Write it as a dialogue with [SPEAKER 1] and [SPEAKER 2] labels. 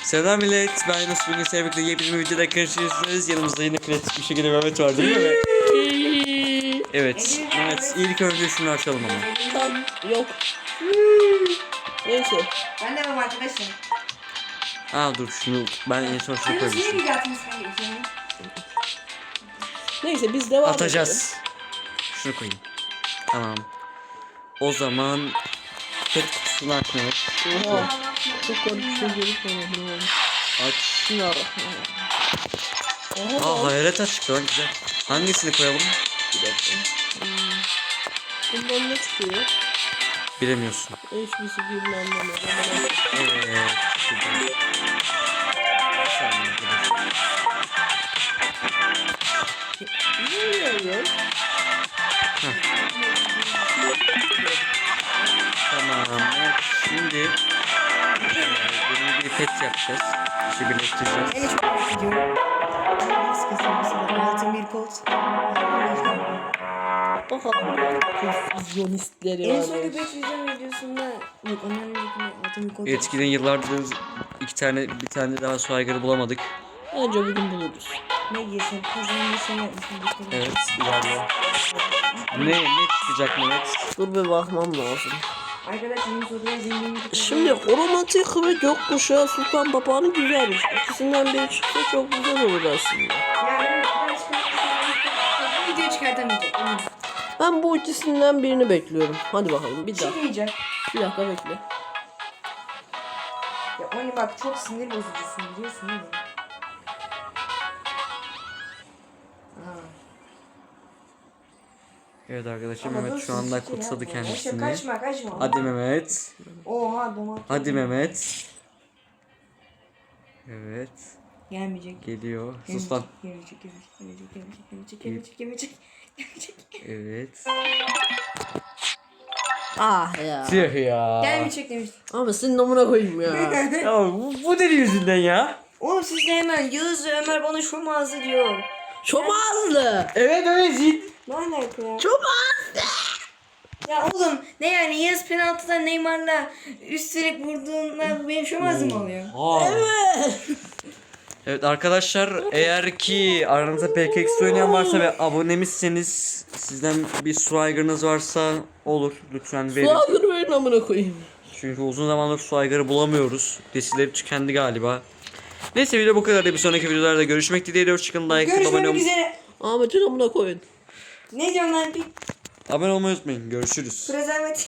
[SPEAKER 1] Selam millet, ben Yunus. Bugün sevgili yepyeni bir videoda karşınızdayız. Yanımızda yine klasik bir şekilde Mehmet var değil mi Mehmet? Evet, Mehmet ilk önce şunu açalım ama.
[SPEAKER 2] Tam yok. Neyse.
[SPEAKER 3] Ben de varım arkadaşım.
[SPEAKER 1] Dur şunu ben en son şunu
[SPEAKER 3] Yunus niye
[SPEAKER 1] koymuştum.
[SPEAKER 3] video atmışsın peki?
[SPEAKER 2] Neyse biz devam
[SPEAKER 1] Atacağız. Şunu koyayım. Tamam. O zaman pet kutusunu açmıyoruz.
[SPEAKER 2] edelim. Oha. Çok garip bir şey görüp
[SPEAKER 1] Aç.
[SPEAKER 2] Bismillahirrahmanirrahim. Oha.
[SPEAKER 1] Hayalet açık lan güzel. Hangisini koyalım?
[SPEAKER 2] Bir dakika. Bundan ne çıkıyor?
[SPEAKER 1] Bilemiyorsun.
[SPEAKER 2] Hiçbirisi bilmem ne.
[SPEAKER 1] Evet. Şuradan. Bir saniye arkadaşlar.
[SPEAKER 2] Ne oluyor?
[SPEAKER 1] Tamam. Evet, şimdi yeni bir pet yapacağız. İşi birleştireceğiz.
[SPEAKER 3] En çok merak ediyorum. Nasıl kazanmışsın? Altın bir kolt.
[SPEAKER 2] Bakalım. Konfüzyonistleri
[SPEAKER 3] En
[SPEAKER 2] var.
[SPEAKER 3] son bir video videosunda yok ondan önceki altın bir kolt.
[SPEAKER 1] Eskiden yıllardır bir tane daha su aygırı bulamadık.
[SPEAKER 2] Bence bugün buluruz.
[SPEAKER 3] Ne giysem kazanmayı şey yapmışım.
[SPEAKER 1] Evet, ilerliyor. Ne çıkacak Mehmet?
[SPEAKER 2] Dur bir bakmam lazım.
[SPEAKER 3] Arkadaşlar Yunus oraya zenginlik.
[SPEAKER 2] Şimdi romantik ve gökkuşağı Sultan Papağanı güzelmiş. İkisinden biri çıksa çok güzel olur aslında.
[SPEAKER 3] Yani ben çıkartmışım. Video çıkartamayacak. Eminim.
[SPEAKER 2] Ben bu ikisinden birini bekliyorum. Hadi bakalım bir dakika.
[SPEAKER 3] Çıkmayacak.
[SPEAKER 2] Bir dakika bekle.
[SPEAKER 3] Ya Oni bak çok sinir bozucusun biliyorsun değil mi?
[SPEAKER 1] Evet arkadaşlar
[SPEAKER 3] Ama
[SPEAKER 1] Mehmet
[SPEAKER 3] dur,
[SPEAKER 1] şu anda
[SPEAKER 3] siz şey
[SPEAKER 1] kutsadı
[SPEAKER 3] yapma.
[SPEAKER 1] kendisini.
[SPEAKER 3] Kaçma.
[SPEAKER 1] Hadi Mehmet.
[SPEAKER 3] Oha domates.
[SPEAKER 1] Hadi Mehmet. Evet.
[SPEAKER 3] Gelmeyecek.
[SPEAKER 1] Geliyor. Sus lan.
[SPEAKER 3] Gelecek.
[SPEAKER 1] Evet.
[SPEAKER 2] Ah ya.
[SPEAKER 1] Tüh ya.
[SPEAKER 3] Gelmeyecek demiştim.
[SPEAKER 2] Ama senin namına koyayım ya.
[SPEAKER 1] Ya bu deli yüzünden ya.
[SPEAKER 3] Oğlum siz de hemen Yağız ve Ömer bana şu mağaza diyor.
[SPEAKER 2] Çomazlı.
[SPEAKER 1] Evet
[SPEAKER 3] Ne alaka ya?
[SPEAKER 2] Çomazlı.
[SPEAKER 3] Ya oğlum ne yani Yağız penaltıdan Neymar'la üstelik vurduğunda bu benim şu mağaza mı oluyor?
[SPEAKER 2] Evet.
[SPEAKER 1] Evet arkadaşlar eğer ki aranızda PKX oynayan varsa ve abonemizseniz sizden bir su aygırınız varsa olur lütfen verin.
[SPEAKER 2] Suadır verin namına koyayım.
[SPEAKER 1] Çünkü uzun zamandır su aygırı bulamıyoruz. Desileri tükendi galiba. Neyse video bu kadar. Bir sonraki videolarda görüşmek dileğiyle. Hoşçakalın. Like, abone,
[SPEAKER 3] Görüşmek üzere.
[SPEAKER 2] Ahmet'in namına koyun.
[SPEAKER 3] Ne diyorsun lan bir
[SPEAKER 1] abone olmayı unutmayın. Görüşürüz.
[SPEAKER 3] prezervatif.